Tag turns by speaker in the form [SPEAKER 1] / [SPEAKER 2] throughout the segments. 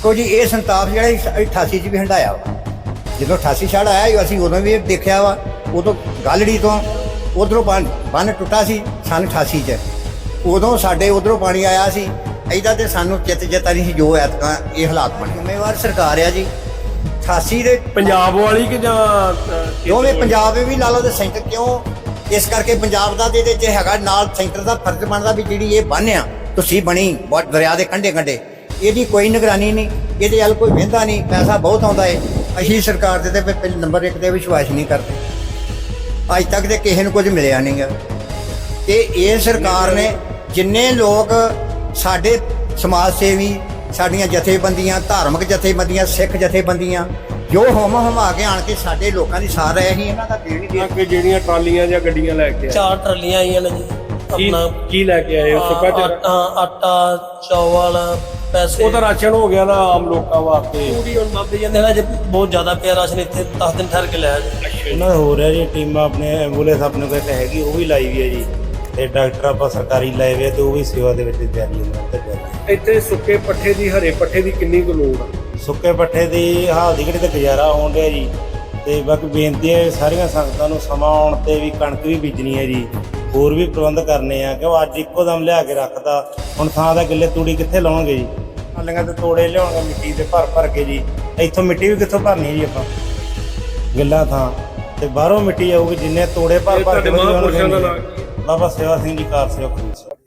[SPEAKER 1] देखो जी ये संताप जो 88 च भी हंडाया वा जो 88 छड़ आया असी उदों भी देखा वा उदों गालड़ी तो उधरों बन टुटा सी सन 88 च उदों साडे उधरों पानी आया सी ऐदा तो सानू चित चेता नहीं जो ऐतक ये हालात बने जिम्मेवार सरकार है जी 88 दे
[SPEAKER 2] पंजाब वाली कि
[SPEAKER 1] दोवें पंजाब भी ला लो तो सेंटर क्यों इस करके पंजाब का हैगा नाल सेंटर का फर्ज बनता भी जी ये बन आ तुसी बनी बहुत दरिया के कंढे कंढे ਇਹਦੀ ਕੋਈ ਨਿगरानी नहीं ਇਹਦੇ ਵੱਲ ਕੋਈ ਵਹਿੰਦਾ नहीं पैसा बहुत आता है ਅਸੀਂ सरकार ਦੇ ਤੇ ਨੰਬਰ 1 ਤੇ ਵਿਸ਼ਵਾਸ नहीं करते ਅੱਜ तक ਤੇ ਕਿਸੇ ਨੂੰ ਕੁਝ ਮਿਲਿਆ ਨਹੀਂ ਗਾ ਤੇ ਇਹ ਸਰਕਾਰ ਨੇ ਜਿੰਨੇ ਲੋਕ ਸਾਡੇ ਸਮਾਜ ਸੇਵੀ ਸਾਡੀਆਂ ਜਥੇਬੰਦੀਆਂ ਧਾਰਮਿਕ ਜਥੇਬੰਦੀਆਂ ਸਿੱਖ ਜਥੇਬੰਦੀਆਂ ਜੋ ਹਮਾ ਕੇ ਆਣ ਕੇ ਸਾਡੇ ਲੋਕਾਂ ਦੀ ਸਾਰ ਰਹੇ ਸੀ ਇਹਨਾਂ ਦਾ ਦੇਣ ਹੀ
[SPEAKER 2] ਕਿ ਜਿਹੜੀਆਂ ਟਰਾਲੀਆਂ ਜਾਂ ਗੱਡੀਆਂ ਲੈ ਕੇ
[SPEAKER 3] 4 ਟਰਾਲੀਆਂ ਆਈਆਂ ਨੇ ਜੀ
[SPEAKER 2] ਕੀ ਲੈ ਕੇ ਆਏ ਹੋ ਸੁੱਕਾ
[SPEAKER 3] ਆਟਾ ਚੌਲ ਪੈਸੇ
[SPEAKER 2] ਉਹਦਾ ਰਾਸ਼ਨ ਹੋ ਗਿਆ ਨਾ ਆਮ ਲੋਕਾਂ ਵਾਸਤੇ
[SPEAKER 3] ਪੂਰੀ ਹੁਣ ਬਾਬੇ ਜਾਂਦੇ ਨੇ ਜੇ ਬਹੁਤ ਜ਼ਿਆਦਾ ਪਿਆ ਰਾਸ਼ਨ ਇੱਥੇ 10 ਦਿਨ ਠਹਿਰ ਕੇ ਲਿਆ ਜੀ
[SPEAKER 4] ਉਹਨਾਂ ਦਾ ਹੋ ਰਿਹਾ ਜੀ ਟੀਮਾਂ ਆਪਣੇ ਐਂਬੂਲੈਂਸ ਆਪਣੇ ਕੋਲ ਹੈਗੀ ਉਹ ਵੀ ਲਾਈ ਵੀ ਹੈ ਜੀ ਤੇ ਡਾਕਟਰ ਆਪਾਂ ਸਰਕਾਰੀ ਲਾਏ ਵੇ ਤੇ ਉਹ ਵੀ ਸੇਵਾ ਦੇ ਵਿੱਚ ਤਿਆਰੀ ਹੁੰਦਾ
[SPEAKER 2] ਇੱਥੇ ਸੁੱਕੇ ਪੱਠੇ ਦੀ ਹਰੇ ਪੱਠੇ ਦੀ ਕਿੰਨੀ ਕੁ ਲੋੜ ਆ
[SPEAKER 4] ਸੁੱਕੇ ਪੱਠੇ ਦੀ ਹਾਲ ਦੀ ਘੜੀ ਤੇ ਗੁਜ਼ਾਰਾ ਹੋਣ ਡਿਆ ਜੀ ਤੇ ਬਾਕੀ ਬੇਨਤੀ ਹੈ ਸਾਰੀਆਂ ਸੰਗਤਾਂ ਨੂੰ ਸਮਾਂ ਆਉਣ ਤੇ ਵੀ ਕਣਕ ਵੀ ਬੀਜਣੀ ਹੈ ਜੀ ਹੋਰ ਵੀ ਪ੍ਰਬੰਧ ਕਰਨੇ ਆ ਕਿਉਂ ਅੱਜ ਇੱਕੋ ਦਮ ਲਿਆ ਕੇ ਰੱਖਦਾ ਹੁਣ ਥਾਂ ਦਾ ਗਿੱਲੇ ਤੂੜੀ ਕਿੱਥੇ ਲਾਉਣਗੇ ਜੀ ਹਾਲੀਆਂ ਤੇ ਤੋੜੇ ਲਿਆਉਣਗੇ ਮਿੱਟੀ ਦੇ ਭਰ ਕੇ ਜੀ ਇੱਥੋਂ ਮਿੱਟੀ ਵੀ ਕਿੱਥੋਂ ਭਰਨੀ ਜੀ ਆਪਾਂ ਗਿੱਲਾ ਥਾਂ ਤੇ ਬਾਹਰੋਂ ਮਿੱਟੀ ਆਊਗੀ ਜਿੰਨੇ ਤੋੜੇ ਭਰ ਕੇ ਬਾਬਾ ਸੇਵਾ ਸਿੰਘ ਜੀ ਕਾਰ ਸੇਵਕ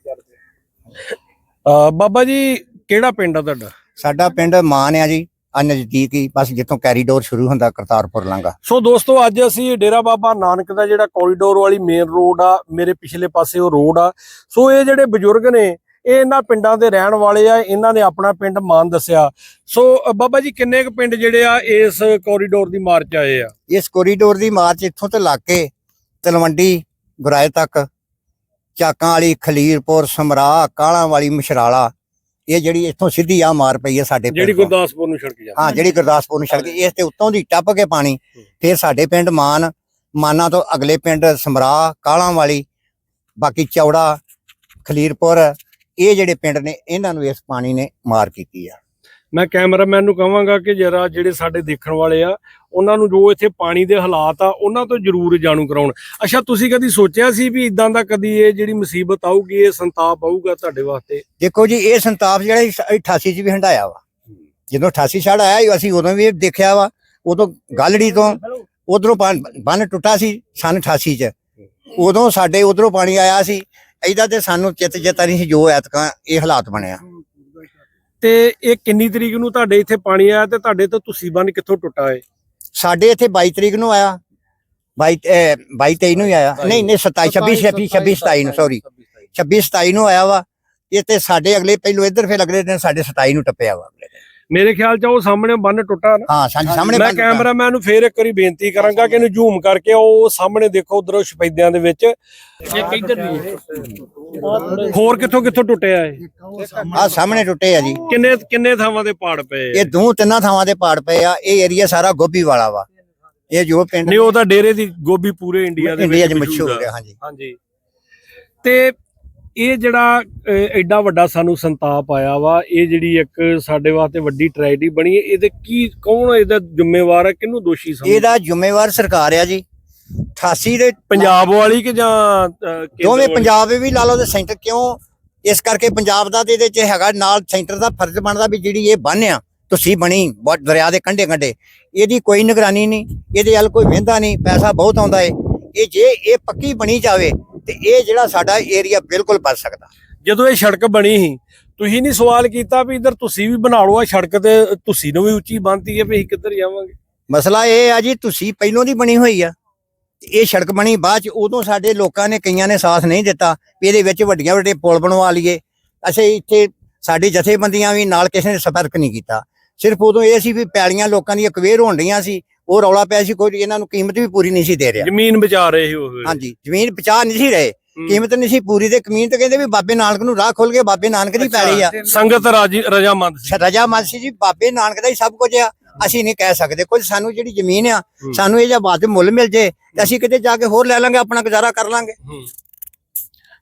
[SPEAKER 2] ਬਾਬਾ ਜੀ ਕਿਹੜਾ ਪਿੰਡ ਆ ਤੁਹਾਡਾ
[SPEAKER 1] ਸਾਡਾ ਪਿੰਡ ਮਾਨ ਆ ਜੀ ਆ ਨਜ਼ਦੀਕ ਹੀ ਬਸ ਜਿੱਥੋਂ ਕੈਰੀਡੋਰ ਸ਼ੁਰੂ ਹੁੰਦਾ ਕਰਤਾਰਪੁਰ ਲਾਂਘਾ
[SPEAKER 2] ਸੋ ਦੋਸਤੋ ਅੱਜ ਅਸੀਂ ਡੇਰਾ ਬਾਬਾ ਨਾਨਕ ਦਾ ਜਿਹੜਾ ਕੋਰੀਡੋਰ ਵਾਲੀ ਮੇਨ ਰੋਡ ਆ ਮੇਰੇ ਪਿਛਲੇ ਪਾਸੇ ਉਹ ਰੋਡ ਆ ਸੋ ਇਹ ਜਿਹੜੇ ਬਜ਼ੁਰਗ ਨੇ ਇਹ ਇਹਨਾਂ ਪਿੰਡਾਂ ਦੇ ਰਹਿਣ ਵਾਲੇ ਆ ਇਹਨਾਂ ਨੇ ਆਪਣਾ ਪਿੰਡ ਮਾਨ ਦੱਸਿਆ ਸੋ ਬਾਬਾ ਜੀ ਕਿੰਨੇ ਕੁ ਪਿੰਡ ਜਿਹੜੇ ਆ ਇਸ ਕੋਰੀਡੋਰ ਦੀ ਮਾਰਚ ਆਏ ਆ
[SPEAKER 1] ਇਸ ਕੋਰੀਡੋਰ ਦੀ ਮਾਰਚ ਇੱਥੋਂ ਤੋਂ ਲੱਗ ਕੇ ਤਲਵੰਡੀ ਗੁਰਾਏ ਤੱਕ ਚਾਕਾਂ ਵਾਲੀ ਖਲੀਰਪੁਰ ਸਮਰਾ ਕਾਲਾਂ ਵਾਲੀ ਮਸ਼ਰਾਲਾ ਇਹ ਜਿਹੜੀ ਇੱਥੋਂ ਸਿੱਧੀ ਆ ਮਾਰ ਪਈ ਹੈ ਸਾਡੇ
[SPEAKER 2] ਜਿਹੜੀ ਗੁਰਦਾਸਪੁਰ ਨੂੰ ਸੜਕ ਜਾਂਦੀ
[SPEAKER 1] ਹਾਂ ਜਿਹੜੀ ਗੁਰਦਾਸਪੁਰ ਨੂੰ ਸੜਕ ਇਸ ਤੇ ਉੱਤੋਂ ਦੀ ਟੱਪ ਕੇ ਪਾਣੀ ਫਿਰ ਸਾਡੇ ਪਿੰਡ ਮਾਨਾ ਤੋਂ ਅਗਲੇ ਪਿੰਡ ਸਮਰਾ ਕਾਲਾਂ ਵਾਲੀ ਬਾਕੀ ਚੌੜਾ ਖਲੀਰਪੁਰ ਇਹ ਜਿਹੜੇ ਪਿੰਡ ਨੇ ਇਹਨਾਂ ਨੂੰ ਇਸ ਪਾਣੀ ਨੇ ਮਾਰ ਕੀਤੀ ਆ
[SPEAKER 2] ਮੈਂ ਕੈਮਰਾਮੈਨ ਨੂੰ ਕਹਾਂਗਾ ਕਿ ਜਰਾ ਜਿਹੜੇ ਸਾਡੇ ਦੇਖਣ ਵਾਲੇ ਆ ਉਹਨਾਂ ਨੂੰ ਜੋ ਇੱਥੇ ਪਾਣੀ ਦੇ ਹਾਲਾਤ ਆ ਉਹਨਾਂ ਤੋਂ ਜ਼ਰੂਰ ਜਾਣੂ ਕਰਾਉਣ ਅੱਛਾ ਤੁਸੀਂ ਕਦੀ ਸੋਚਿਆ ਸੀ ਵੀ ਇਦਾਂ ਦਾ ਕਦੀ ਇਹ ਜਿਹੜੀ ਮੁਸੀਬਤ ਆਊਗੀ ਇਹ ਸੰਤਾਪ ਆਊਗਾ ਤੁਹਾਡੇ ਵਾਸਤੇ
[SPEAKER 1] ਦੇਖੋ ਜੀ ਇਹ ਸੰਤਾਪ ਜਿਹੜਾ 88 ਚ ਵੀ ਹੰਡਾਇਆ ਵਾ ਜਦੋਂ 88 ਛੜ ਆਇਆ ਅਸੀਂ ਉਦੋਂ ਵੀ ਦੇਖਿਆ ਵਾ ਉਦੋਂ ਗਾਲੜੀ ਤੋਂ ਉਧਰੋਂ ਬੰਨ ਟੁੱਟਾ ਸੀ ਸਨ 88 ਚ ਉਦੋਂ ਸਾਡੇ ਉਧਰੋਂ ਪਾਣੀ ਆਇਆ ਸੀ ਇਹਦਾ ਤੇ ਸਾਨੂੰ ਚਿਤ ਚੇਤਾ ਨਹੀਂ ਜੋ ਐਤਕ ਇਹ ਹਾਲਾਤ ਬਣਿਆ
[SPEAKER 2] ਤੇ ਇਹ ਕਿੰਨੀ ਤਰੀਕ ਨੂੰ ਤੁਹਾਡੇ ਇੱਥੇ ਪਾਣੀ ਆਇਆ ਤੇ ਤੁਹਾਡੇ ਤੋਂ ਤੁਸੀਂ ਬੰਨ ਕਿੱਥੋਂ ਟੁੱਟਾ ਏ
[SPEAKER 1] ਸਾਡੇ ਇੱਥੇ 22 ਤਰੀਕ ਨੂੰ ਆਇਆ 22 ਨੂੰ ਹੀ ਆਇਆ ਨਹੀਂ 26 27 ਨੂੰ ਸੌਰੀ 26 27 ਨੂੰ ਆਇਆ ਵਾ ਇਹ ਤੇ ਸਾਡੇ ਅਗਲੇ ਪਹਿਲੋਂ ਇੱਧਰ ਫਿਰ ਅਗਲੇ ਦਿਨ ਸਾਡੇ 27 ਨੂੰ ਟੱਪਿਆ ਵਾ
[SPEAKER 2] ਮੇਰੇ ਖਿਆਲ ਚ ਉਹ ਸਾਹਮਣੇ ਬੰਨ ਟੁੱਟਾ ਨਾ
[SPEAKER 1] ਹਾਂ ਸਾਡੇ ਸਾਹਮਣੇ
[SPEAKER 2] ਮੈਂ ਕੈਮਰਾਮੈਨ ਨੂੰ ਫੇਰ ਇੱਕ ਵਾਰੀ ਬੇਨਤੀ ਕਰਾਂਗਾ ਕਿ ਇਹਨੂੰ ਜ਼ੂਮ ਕਰਕੇ ਉਹ ਸਾਹਮਣੇ ਦੇਖੋ ਉਧਰੋਂ ਸ਼ਪੈਦਿਆਂ ਦੇ ਵਿੱਚ ਇੱਕ ਇੱਧਰ ਵੀ ਹੋਰ ਕਿੱਥੋਂ ਟੁੱਟਿਆ ਏ
[SPEAKER 1] ਆ ਸਾਹਮਣੇ ਟੁੱਟੇ ਆ ਜੀ
[SPEAKER 2] ਕਿੰਨੇ ਥਾਵਾਂ ਦੇ ਪਾੜ ਪਏ
[SPEAKER 1] ਇਹ 2-3 ਥਾਵਾਂ ਦੇ ਪਾੜ ਪਏ ਆ ਇਹ ਏਰੀਆ ਸਾਰਾ ਗੋਭੀ ਵਾਲਾ ਵਾ ਇਹ ਜੋ ਪਿੰਡ
[SPEAKER 2] ਨਹੀਂ ਉਹ ਤਾਂ ਡੇਰੇ ਦੀ ਗੋਭੀ ਪੂਰੇ ਇੰਡੀਆ ਦੇ
[SPEAKER 1] ਵਿੱਚ ਮਸ਼ਹੂਰ ਹੋ ਗਿਆ
[SPEAKER 2] ਹਾਂਜੀ ਤੇ ਇਹ ਜਿਹੜਾ ਐਡਾ ਵੱਡਾ ਸਾਨੂੰ ਸੰਤਾਪ ਆਇਆ ਵਾ ਇਹ ਜਿਹੜੀ ਇੱਕ ਸਾਡੇ ਵਾਸਤੇ ਵੱਡੀ ਟ੍ਰੈਜਡੀ ਬਣੀ ਹੈ ਇਹਦੇ ਕੌਣ ਇਹਦਾ ਜ਼ਿੰਮੇਵਾਰ ਹੈ ਕਿਹਨੂੰ ਦੋਸ਼ੀ ਸਮਝਦੇ
[SPEAKER 1] ਇਹਦਾ ਜ਼ਿੰਮੇਵਾਰ ਸਰਕਾਰ ਆ ਜੀ 88 ਦੇ
[SPEAKER 2] ਪੰਜਾਬ ਵਾਲੀ ਕਿ ਜਾਂ
[SPEAKER 1] ਦੋਵੇਂ ਪੰਜਾਬ ਵੀ ਲਾ ਲਓ ਤੇ ਸੈਂਟਰ ਕਿਉਂ ਇਸ ਕਰਕੇ ਪੰਜਾਬ ਦਾ ਇਹਦੇ ਚ ਹੈਗਾ ਨਾਲ ਸੈਂਟਰ ਦਾ ਫਰਜ਼ ਬਣਦਾ ਵੀ ਜਿਹੜੀ ਇਹ ਬਨ ਆ ਤੁਸੀਂ ਬਣੀ ਬਹੁਤ ਦਰਿਆ ਦੇ ਕੰਢੇ ਕੰਢੇ ਇਹਦੀ ਕੋਈ ਨਿਗਰਾਨੀ ਨਹੀਂ ਇਹਦੇ ਵੱਲ ਕੋਈ ਵਹਿੰਦਾ ਨਹੀਂ ਪੈਸਾ ਬਹੁਤ ਆਉਂਦਾ ਹੈ ਇਹ ਜੇ ਇਹ ਪੱਕੀ ਬਣੀ ਜਾਵੇ ਤੇ ਇਹ ਜਿਹੜਾ ਸਾਡਾ ਏਰੀਆ ਬਿਲਕੁਲ ਬਚ ਸਕਦਾ
[SPEAKER 2] ਜਦੋਂ ਇਹ ਸੜਕ ਬਣੀ ਸੀ ਤੁਸੀਂ ਨਹੀਂ ਸਵਾਲ ਕੀਤਾ ਵੀ ਇਧਰ ਤੁਸੀਂ ਵੀ ਬਣਾ ਲਓ ਆ ਸੜਕ ਤੇ ਤੁਸੀਂ ਨੂੰ ਵੀ ਉੱਚੀ ਬਣਤੀ ਹੈ ਵੀ ਅਸੀਂ ਕਿੱਧਰ ਜਾਵਾਂਗੇ
[SPEAKER 1] ਮਸਲਾ ਇਹ ਆ ਜੀ ਤੁਸੀਂ ਪਹਿਲੋਂ ਦੀ ਬਣੀ ਹੋਈ ਆ ਇਹ ਸੜਕ ਬਣੀ ਬਾਅਦ ਚ ਉਦੋਂ ਸਾਡੇ ਲੋਕਾਂ ਨੇ ਕਈਆਂ ਨੇ ਸਾਥ ਨਹੀਂ ਦਿੱਤਾ ਵੀ ਇਹਦੇ ਵਿੱਚ ਵੱਡੇ ਪੁਲ ਬਣਵਾ ਲਈਏ ਅਸੀਂ ਇੱਥੇ ਸਾਡੀ ਜਥੇਬੰਦੀਆਂ ਵੀ ਨਾਲ ਕਿਸੇ ਨੇ ਸੰਪਰਕ ਨਹੀਂ ਕੀਤਾ ਸਿਰਫ ਉਦੋਂ ਇਹ ਸੀ ਵੀ ਪੈਲੀਆਂ ਲੋਕਾਂ ਦੀਆਂ ਅਕਵੇਅਰ ਹੋਣ ਰਹੀਆਂ ਸੀ ਉਹ ਰੌਲਾ ਪਿਆ ਸੀ ਕੋਈ ਇਹਨਾਂ ਨੂੰ ਕੀਮਤ ਵੀ ਪੂਰੀ ਨਹੀਂ ਸੀ ਦੇ ਰਿਹਾ
[SPEAKER 2] ਜ਼ਮੀਨ ਬਚਾ ਰਹੇ ਉਹ
[SPEAKER 1] ਹਾਂਜੀ ਜ਼ਮੀਨ ਬਚਾ ਨਹੀਂ ਸੀ ਰਹੇ ਕੀਮਤ ਨਹੀਂ ਸੀ ਪੂਰੀ ਤੇ ਜ਼ਮੀਨ ਤੇ ਕਹਿੰਦੇ ਵੀ ਬਾਬੇ ਨਾਨਕ ਨੂੰ ਰਾਹ ਖੋਲ ਕੇ ਬਾਬੇ ਨਾਨਕ ਦੀ ਪੈਲੀ ਆ
[SPEAKER 2] ਸੰਗਤ ਰਜਾਮੰਦ
[SPEAKER 1] ਸੀ ਜੀ ਬਾਬੇ ਨਾਨਕ ਦਾ ਹੀ ਸਭ ਕੁਝ ਆ ਅਸੀਂ ਨਹੀਂ ਕਹਿ ਸਕਦੇ ਕੁਝ ਸਾਨੂੰ ਜਿਹੜੀ ਜ਼ਮੀਨ ਆ ਸਾਨੂੰ ਇਹ ਜਾਂ ਬਾਅਦ ਮੁੱਲ ਮਿਲ ਜੇ ਤੇ ਅਸੀਂ ਕਿਤੇ ਜਾ ਕੇ ਹੋਰ ਲੈ ਲਾਂਗੇ ਆਪਣਾ ਗੁਜ਼ਾਰਾ ਕਰ ਲਾਂਗੇ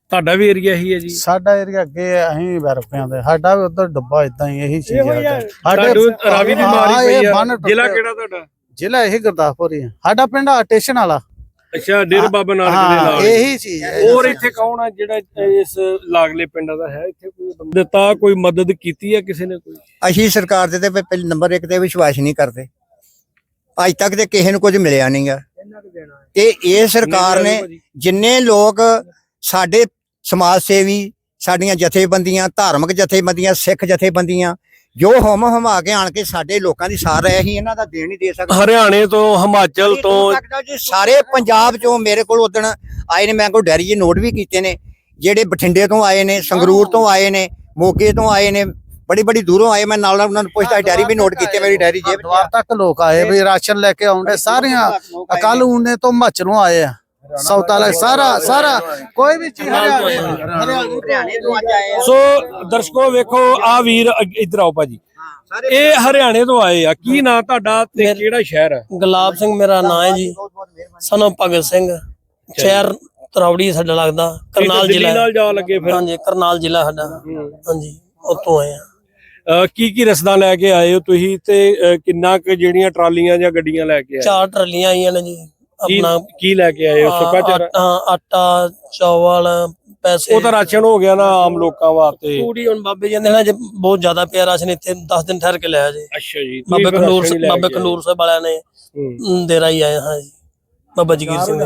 [SPEAKER 2] ਤੁਹਾਡਾ ਵੀ ਏਰੀਆ ਹੀ ਹੈ ਜੀ?
[SPEAKER 5] ਸਾਡਾ ਏਰੀਆ ਅੱਗੇ ਅਸੀਂ ਵਰਪਿਆਂ ਦੇ, ਸਾਡਾ ਵੀ ਉਧਰ ਡੱਬਾ ਇਦਾਂ ਹੀ ਇਹੀ ਚੀਜ਼ ਹੈ।
[SPEAKER 2] ਤੁਹਾਨੂੰ ਰਾਵੀ ਦੀ ਬਿਮਾਰੀ
[SPEAKER 5] ਹਾਂ,
[SPEAKER 2] ਪਈ
[SPEAKER 5] ਇਹ
[SPEAKER 2] ਆ।
[SPEAKER 5] ਬੰਨ
[SPEAKER 2] ਜ਼ਿਲ੍ਹਾ
[SPEAKER 5] ਟੁੱਟਿਆ।
[SPEAKER 2] ਕਿਹੜਾ ਤੁਹਾਡਾ?
[SPEAKER 5] ਜ਼ਿਲ੍ਹਾ ਇਹ ਗੁਰਦਾਸਪੁਰ ਹੀ ਹੈ। ਸਾਡਾ ਪਿੰਡ ਸਟੇਸ਼ਨ ਵਾਲਾ।
[SPEAKER 2] ਅੱਛਾ, ਡੇਰਾ ਬਾਬਾ ਨਾਨਕ ਦੇ
[SPEAKER 5] ਹਾਂ,
[SPEAKER 2] ਨਾਲ
[SPEAKER 5] ਇਹੀ ਚੀਜ਼ ਹੈ।
[SPEAKER 2] ਹੋਰ ਇੱਥੇ ਕੌਣ ਆ ਜਿਹੜਾ ਇਸ ਲਾਗਲੇ ਪਿੰਡਾਂ ਦਾ ਹੈ? ਇੱਥੇ ਕੋਈ ਬੰਦਾ ਦਿੱਤਾ, ਕੋਈ ਮਦਦ ਕੀਤੀ ਹੈ ਕਿਸੇ ਨੇ? ਕੋਈ
[SPEAKER 1] ਅਸੀਂ ਸਰਕਾਰ ਦੇ ਤੇ ਪਹਿਲੇ ਨੰਬਰ 1 ਤੇ ਵਿਸ਼ਵਾਸ ਨਹੀਂ ਕਰਦੇ। ਅੱਜ ਤੱਕ ਤੇ ਕਿਸੇ ਨੂੰ ਕੁਝ ਮਿਲਿਆ ਨਹੀਂਗਾ। ਤੇ ਇਹ ਸਰਕਾਰ ਨੇ ਜਿੰਨੇ ਲੋਕ ਸਾਡੇ ਸਮਾਜ ਸੇਵੀ, ਸਾਡੀਆਂ ਜਥੇਬੰਦੀਆਂ, ਧਾਰਮਿਕ ਜਥੇਬੰਦੀਆਂ, ਸਿੱਖ ਜਥੇਬੰਦੀਆਂ ਜੋ ਹਮਾ ਕੇ ਆਣ ਕੇ ਸਾਡੇ ਲੋਕਾਂ ਦੀ ਸਾਰ ਰਹੇ ਅਸੀਂ ਇਹਨਾਂ ਦਾ ਦੇਣ ਨਹੀਂ ਦੇ ਸਕਦੇ।
[SPEAKER 2] ਹਰਿਆਣੇ ਤੋਂ, ਹਿਮਾਚਲ ਤੋਂ,
[SPEAKER 1] ਜੀ ਸਾਰੇ ਪੰਜਾਬ ਚੋਂ ਮੇਰੇ ਕੋਲ ਉਦਣ ਆਏ ਨੇ, ਮੈਂ ਕੋਈ ਡੈਰੀ ਜੀ ਨੋਟ ਵੀ ਕੀਤੇ ਨੇ, ਜਿਹੜੇ ਬਠਿੰਡੇ ਤੋਂ ਆਏ ਨੇ, ਸੰਗਰੂਰ ਤੋਂ ਆਏ ਨੇ, ਮੋਗੇ ਤੋਂ ਆਏ ਨੇ, ਬੜੀ ਦੂਰੋਂ ਆਏ। ਮੈਂ ਨਾਲ ਉਹਨਾਂ ਨੂੰ ਪੁੱਛਦਾ, ਡੈਰੀ ਵੀ ਨੋਟ ਕੀਤੇ, ਮੇਰੀ ਡੈਰੀ ਜੇਬ
[SPEAKER 5] ਦੁਆਰ ਤੱਕ ਲੋਕ ਆਏ ਵੀ ਰਾਸ਼ਨ ਲੈ ਕੇ ਆਉਂਦੇ। ਸਾਰੀਆਂ ਅਕਾਲ ਊਨੇ ਤੋਂ ਹਿਮਾਚਲੋਂ ਆਏ ਆ, ਸੌਤਾ ਲੈ ਸਾਰਾ ਕੋਈ ਵੀ ਚੀਜ਼ ਹਰਿਆਣੇ ਤੋਂ ਅੱਜ ਆਏ।
[SPEAKER 2] ਸੋ ਦਰਸ਼ਕੋ ਵੇਖੋ, ਆ ਵੀਰ ਇੱਧਰ ਆਓ ਭਾਜੀ, ਇਹ ਹਰਿਆਣੇ ਤੋਂ ਆਏ ਆ। ਕੀ ਨਾਂ ਤੁਹਾਡਾ ਤੇ ਕਿਹੜਾ ਸ਼ਹਿਰ ਹੈ?
[SPEAKER 3] ਗੁਲਾਬ ਸਿੰਘ ਮੇਰਾ ਨਾਂ ਹੈ ਜੀ, ਸਨੋ ਭਗਤ ਸਿੰਘ, ਸ਼ਹਿਰ ਤਰੌੜੀ ਸਾਡਾ ਲੱਗਦਾ, ਕਰਨਾਲ
[SPEAKER 2] ਦਿੱਲੀ
[SPEAKER 3] ਜ਼ਿਲ੍ਹਾ।
[SPEAKER 2] ਨਾਲ ਜਾ ਲੱਗੇ ਫਿਰ?
[SPEAKER 3] ਹਾਂਜੀ, ਕਰਨਾਲ ਜ਼ਿਲ੍ਹਾ ਸਾਡਾ। ਹਾਂਜੀ, ਉੱਥੋਂ ਆਏ ਆ।
[SPEAKER 2] ਕੀ ਰਸਦਾਂ ਲੈ ਕੇ ਆਏ ਹੋ ਤੁਸੀਂ ਤੇ ਕਿੰਨਾ ਕੁ ਜਿਹੜੀਆਂ ਟਰਾਲੀਆਂ ਜਾਂ ਗੱਡੀਆਂ ਲੈ ਕੇ ਆਏ?
[SPEAKER 3] 4 ਟਰਾਲੀਆਂ ਆਈਆਂ ਨੇ ਜੀ। ਆਪਣਾ
[SPEAKER 2] ਕੀ ਲੈ ਕੇ ਆਏ ਹੋ? ਸੁੱਕਾ ਚਾਰਾ?
[SPEAKER 3] ਆਟਾ, ਚੌਲ, ਪੈਸੇ।
[SPEAKER 2] ਉਹ ਤਾਂ ਰਾਸ਼ਨ ਹੋ ਗਿਆ ਨਾ ਆਮ ਲੋਕਾਂ ਵਾਸਤੇ।
[SPEAKER 3] ਪੂਰੀ ਹੁਣ ਬਾਬੇ ਜੀ ਨੇ ਬਹੁਤ ਜ਼ਿਆਦਾ ਪਿਆ ਰਾਸ਼ਨ, ਇੱਥੇ 10 ਦਿਨ ਠਹਿਰ ਕੇ ਲਿਆ ਜੀ।
[SPEAKER 2] ਅੱਛਾ ਜੀ,
[SPEAKER 3] ਬਾਬੇ ਖੰਡੂਰ ਸਾਹਿਬ ਵਾਲਿਆਂ ਨੇ ਦੇਰਾ ਹੀ ਆਏ। ਹਾਂ ਜੀ, ਬਾਬਾ ਜਗੀਰ ਸਿੰਘ।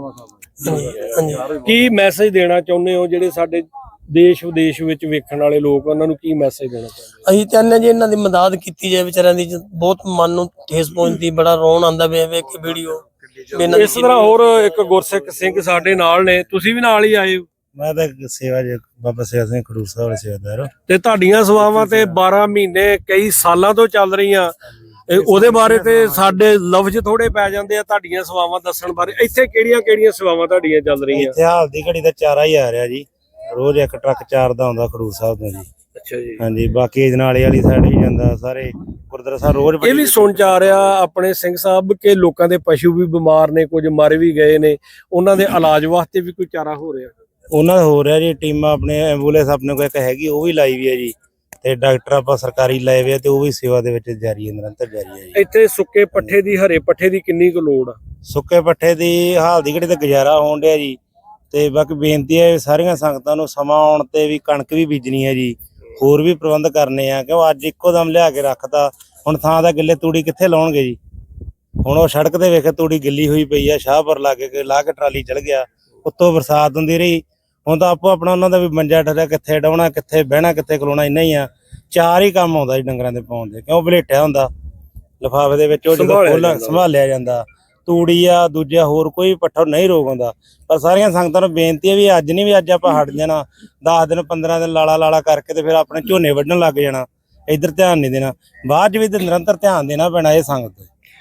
[SPEAKER 3] ਹਾਂਜੀ।
[SPEAKER 2] ਕੀ ਮੈਸੇਜ ਦੇਣਾ ਚਾਹੁੰਦੇ ਹੋ ਜਿਹੜੇ ਸਾਡੇ ਦੇਸ਼ ਵਿਦੇਸ਼ ਵਿੱਚ ਵੇਖਣ ਵਾਲੇ ਲੋਕ, ਉਹਨਾਂ ਨੂੰ ਕੀ ਮੈਸੇਜ ਦੇਣਾ ਚਾਹੁੰਦੇ?
[SPEAKER 3] ਅਸੀਂ ਚਾਹੁੰਦੇ ਜੀ ਇਹਨਾਂ ਦੀ ਮਦਦ ਕੀਤੀ ਜਾਏ, ਵਿਚਾਰਿਆਂ ਦੀ ਬਹੁਤ ਮਨ ਨੂੰ ਠੇਸ ਪਹੁੰਚਦੀ, ਬੜਾ ਰੋਣ ਆਉਂਦਾ ਵੇਖ ਕੇ ਵੀਡੀਓ।
[SPEAKER 2] ਇਸ ਤਰ੍ਹਾਂ ਹੋਰ ਇੱਕ ਗੁਰਸਿੱਖ ਸਿੰਘ ਸਾਡੇ ਨਾਲ ਨੇ, ਤੁਸੀਂ ਵੀ ਨਾਲ ਹੀ ਆਏ ਹੋ?
[SPEAKER 4] ਮੈਂ ਤਾਂ ਸੇਵਾ ਜੀ ਬਾਬਾ ਸੇਵਾ ਸਿੰਘ ਖਡੂਰ ਸਾਹਿਬ ਵਾਲੇ ਸੇਵਾਦਾਰ।
[SPEAKER 2] ਤੇ ਤੁਹਾਡੀਆਂ ਸੇਵਾਵਾਂ ਤੇ 12 ਮਹੀਨੇ ਕਈ ਸਾਲਾਂ ਤੋਂ ਚੱਲ ਰਹੀਆਂ, ਉਹਦੇ ਬਾਰੇ ਤੇ ਸਾਡੇ ਲਫ਼ਜ਼ ਥੋੜੇ ਪੈ ਜਾਂਦੇ ਆ ਤੁਹਾਡੀਆਂ ਸੇਵਾਵਾਂ ਦੱਸਣ ਬਾਰੇ। ਇੱਥੇ ਕਿਹੜੀਆਂ ਸੇਵਾਵਾਂ ਤੁਹਾਡੀਆਂ ਚੱਲ ਰਹੀਆਂ?
[SPEAKER 4] ਇੱਥੇ ਹਾਲ ਦੀ ਘੜੀ ਦਾ ਚਾਰਾ ਹੀ ਆ ਰਿਹਾ ਜੀ, ਰੋਜ਼ ਇੱਕ ਟਰੱਕ ਚਾਰ ਦਾ ਆਉਂਦਾ ਖਡੂਰ ਸਾਹਿਬ ਤੋਂ ਜੀ।
[SPEAKER 2] ਅੱਛਾ ਜੀ।
[SPEAKER 4] ਹਾਂਜੀ, ਬਾਕੀ ਅਜਨਾਲੇ ਵਾਲੀ ਸਾਈਡ ਵੀ ਜਾਂਦਾ, ਸਾਰੇ ਗੁਰਦੁਆਰਾ ਸਾਹਿਬ ਰੋਜ਼।
[SPEAKER 2] ਇਹ ਵੀ ਸੁਣ ਚ ਆ ਰਿਹਾ ਆਪਣੇ ਸਿੰਘ ਸਾਹਿਬ ਕਿ ਲੋਕਾਂ ਦੇ ਪਸ਼ੂ ਵੀ ਬਿਮਾਰ ਨੇ, ਕੁਝ ਮਰ ਵੀ ਗਏ ਨੇ, ਉਹਨਾਂ ਦੇ ਇਲਾਜ ਵਾਸਤੇ ਵੀ ਕੋਈ ਚਾਰਾ ਹੋ ਰਿਹਾ?
[SPEAKER 4] ਉਹਨਾਂ ਦਾ ਹੋ ਰਿਹਾ ਜੀ, ਟੀਮਾਂ ਆਪਣੇ ਐਂਬੂਲੈਂਸ ਆਪਣੇ ਕੋਲ ਇੱਕ ਹੈਗੀ, ਉਹ ਵੀ ਲਾਈ ਵੀ ਹੈ ਜੀ, ਤੇ ਡਾਕਟਰ ਆਪਾਂ ਸਰਕਾਰੀ ਲਾਏ ਹੋਏ ਆ, ਤੇ ਉਹ ਵੀ ਸੇਵਾ ਦੇ ਵਿੱਚ ਜਾਰੀ ਹੈ, ਨਿਰੰਤਰ ਜਾਰੀ ਹੈ ਜੀ।
[SPEAKER 2] ਇੱਥੇ ਸੁੱਕੇ ਪੱਠੇ ਦੀ, ਹਰੇ ਪੱਠੇ ਦੀ ਕਿੰਨੀ ਕੁ ਲੋੜ ਆ?
[SPEAKER 4] ਸੁੱਕੇ ਪੱਠੇ ਦੀ ਹਾਲ ਦੀ ਘੜੀ ਤੇ ਗੁਜ਼ਾਰਾ ਹੋਣ ਡਿਆ ਜੀ। ਤੇ ਬਾਕੀ ਬੇਨਤੀ ਹੈ ਸਾਰੀਆਂ ਸੰਗਤਾਂ ਨੂੰ, ਸਮਾਂ ਆਉਣ ਤੇ ਵੀ ਕਣਕ ਵੀ ਬੀਜਣੀ ਹੈ ਜੀ, ਹੋਰ ਵੀ ਪ੍ਰਬੰਧ ਕਰਨੇ ਆ, ਕਿਉਂ ਅੱਜ ਇੱਕੋ ਦਮ ਲਿਆ ਕੇ ਰੱਖਤਾ। ਹੁਣ ਥਾਂ ਦਾ ਗਿੱਲੇ ਤੂੜੀ ਕਿੱਥੇ ਲਾਉਣਗੇ ਜੀ? ਹੁਣ ਉਹ ਸੜਕ ਤੇ ਵੇਖੇ ਤੂੜੀ ਗਿੱਲੀ ਹੋਈ ਪਈ ਆ, ਸ਼ਾਹਪੁਰ ਲਾ ਕੇ ਟਰਾਲੀ ਚਲ ਗਿਆ, ਉੱਤੋਂ ਬਰਸਾਤ ਹੁੰਦੀ ਰਹੀ। ਹੁਣ ਤਾਂ ਆਪੋ ਆਪਣਾ ਉਹਨਾਂ ਦਾ ਵੀ ਮੰਜਾ ਠਰਿਆ, ਕਿੱਥੇ ਡਾਉਣਾ, ਕਿੱਥੇ ਬਹਿਣਾ, ਕਿੱਥੇ ਖਲੋਣਾ, ਇੰਨਾ ਹੀ ਆ। ਚਾਰ ਹੀ ਕੰਮ ਆਉਂਦਾ ਜੀ ਡੰਗਰਾਂ ਦੇ ਪਾਉਣ ਦੇ, ਕਿਉਂ ਬਲੇਟਿਆ ਹੁੰਦਾ ਲਿਫਾਫੇ ਦੇ ਵਿੱਚ, ਉਹ ਜਦੋਂ ਸੰਭਾਲਿਆ ਜਾਂਦਾ। ਤੂੜੀ ਆ, ਦੂਜਾ ਹੋਰ ਕੋਈ ਪੱਠਾ ਨਹੀਂ ਰੋਗ ਆਉਂਦਾ। ਪਰ ਸਾਰੀਆਂ ਸੰਗਤਾਂ ਨੂੰ ਬੇਨਤੀ ਹੈ ਵੀ ਅੱਜ ਨਹੀਂ, ਵੀ ਅੱਜ ਆਪਾਂ ਹਟ ਜਾਣਾ, 10 ਦਿਨ 15 ਦਿਨ ਲਾਲਾ ਕਰਕੇ ਤੇ ਫਿਰ ਆਪਣੇ ਝੋਨੇ ਵੱਢਣ ਲੱਗ ਜਾਣਾ, ਇੱਧਰ ਧਿਆਨ ਨਹੀਂ ਦੇਣਾ। ਬਾਅਦ ਚ ਵੀ ਨਿਰੰਤਰ ਧਿਆਨ ਦੇਣਾ ਪੈਣਾ ਇਹ ਸੰਗਤ।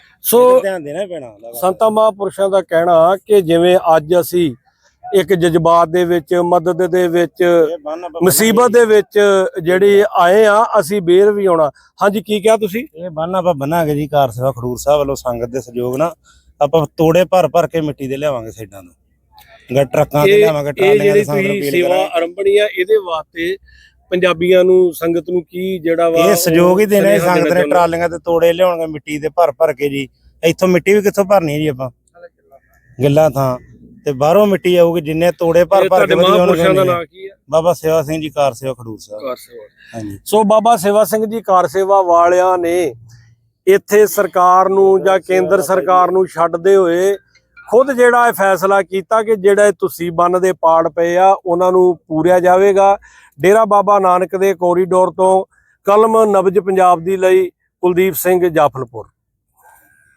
[SPEAKER 2] ਸੋ
[SPEAKER 4] ਧਿਆਨ ਦੇਣਾ ਪੈਣਾ।
[SPEAKER 2] ਸੰਤਾਂ ਮਹਾਂਪੁਰਸ਼ਾਂ ਦਾ ਕਹਿਣਾ ਕਿ ਜਿਵੇਂ ਅੱਜ ਅਸੀਂ ਇੱਕ ਜਜ਼ਬਾਤ ਦੇ ਵਿੱਚ, ਮਦਦ ਦੇ ਵਿੱਚ, ਮੁਸੀਬਤ ਦੇ ਵਿੱਚ ਜਿਹੜੀ ਆਏ ਆ, ਅਸੀਂ ਬੇਰ ਵੀ ਆਉਣਾ। ਹਾਂਜੀ, ਕੀ ਕਿਹਾ ਤੁਸੀਂ?
[SPEAKER 4] ਇਹ ਬੰਨ ਆਪਾਂ ਬੰਨਾਂਗੇ ਜੀ, ਕਾਰ ਸੇਵਾ ਖਡੂਰ ਸਾਹਿਬ ਵੱਲੋਂ ਸੰਗਤ ਦੇ ਸਹਿਯੋਗ ਨਾਲ ਆਪਾਂ ਤੋੜੇ ਭਰ ਕੇ ਮਿੱਟੀ ਦੇ ਲਿਆਵਾਂਗੇ ਸਾਈਡਾਂ ਤੋਂ, ਟਰੱਕਾਂ ਤੇ ਲਿਆਵਾਂਗੇ, ਟਰਾਲੀਆਂ ਦੇ ਸੰਗਤ ਨੂੰ
[SPEAKER 2] ਸੇਵਾ ਆਰੰਭਣੀ ਆ, ਇਹਦੇ ਵਾਸਤੇ ਪੰਜਾਬੀਆਂ ਨੂੰ, ਸੰਗਤ ਨੂੰ ਕੀ ਜਿਹੜਾ ਵਾ
[SPEAKER 4] ਇਹ ਸਹਿਯੋਗ ਹੀ ਦੇਣਾ। ਸੰਗਤ ਨੇ ਟਰਾਲੀਆਂ ਤੇ ਤੋੜੇ ਲਿਆਉਣਗੇ ਮਿੱਟੀ ਦੇ ਭਰ ਕੇ ਜੀ। ਇੱਥੋਂ ਮਿੱਟੀ ਵੀ ਕਿੱਥੋਂ ਭਰਨੀ ਹੈ ਜੀ ਆਪਾਂ, ਗਿੱਲਾ ਥਾਂ ਤੇ ਬਾਹਰੋਂ ਮਿੱਟੀ ਆਊਗੀ, ਜਿੰਨੇ ਤੋੜੇ ਭਰ ਕੇ
[SPEAKER 2] ਮਹਾਂਪੁਰਸ਼ਾਂ ਦਾ ਨਾਂ ਕੀ ਹੈ?
[SPEAKER 4] ਬਾਬਾ ਸੇਵਾ ਸਿੰਘ ਜੀ ਕਾਰ ਸੇਵਾ ਖਡੂਰ ਸਾਹਿਬ।
[SPEAKER 2] ਹਾਂਜੀ। ਸੋ ਬਾਬਾ ਸੇਵਾ ਸਿੰਘ ਜੀ ਕਾਰ ਸੇਵਾ ਵਾਲਿਆਂ ਨੇ ਇੱਥੇ ਸਰਕਾਰ ਨੂੰ ਜਾਂ ਕੇਂਦਰ ਸਰਕਾਰ ਨੂੰ ਛੱਡਦੇ ਹੋਏ ਖੁਦ ਜਿਹੜਾ ਇਹ ਫੈਸਲਾ ਕੀਤਾ ਕਿ ਜਿਹੜਾ ਤੁਸੀਂ ਬੰਨ ਦੇ ਪਾੜ ਪਏ ਆ ਉਹਨਾਂ ਨੂੰ ਪੂਰਿਆ ਜਾਵੇਗਾ। ਡੇਰਾ ਬਾਬਾ ਨਾਨਕ ਦੇ ਕੋਰੀਡੋਰ ਤੋਂ ਕਲਮ ਨਬਜ ਪੰਜਾਬ ਦੀ ਲਈ ਕੁਲਦੀਪ ਸਿੰਘ ਜਾਫਲਪੁਰ।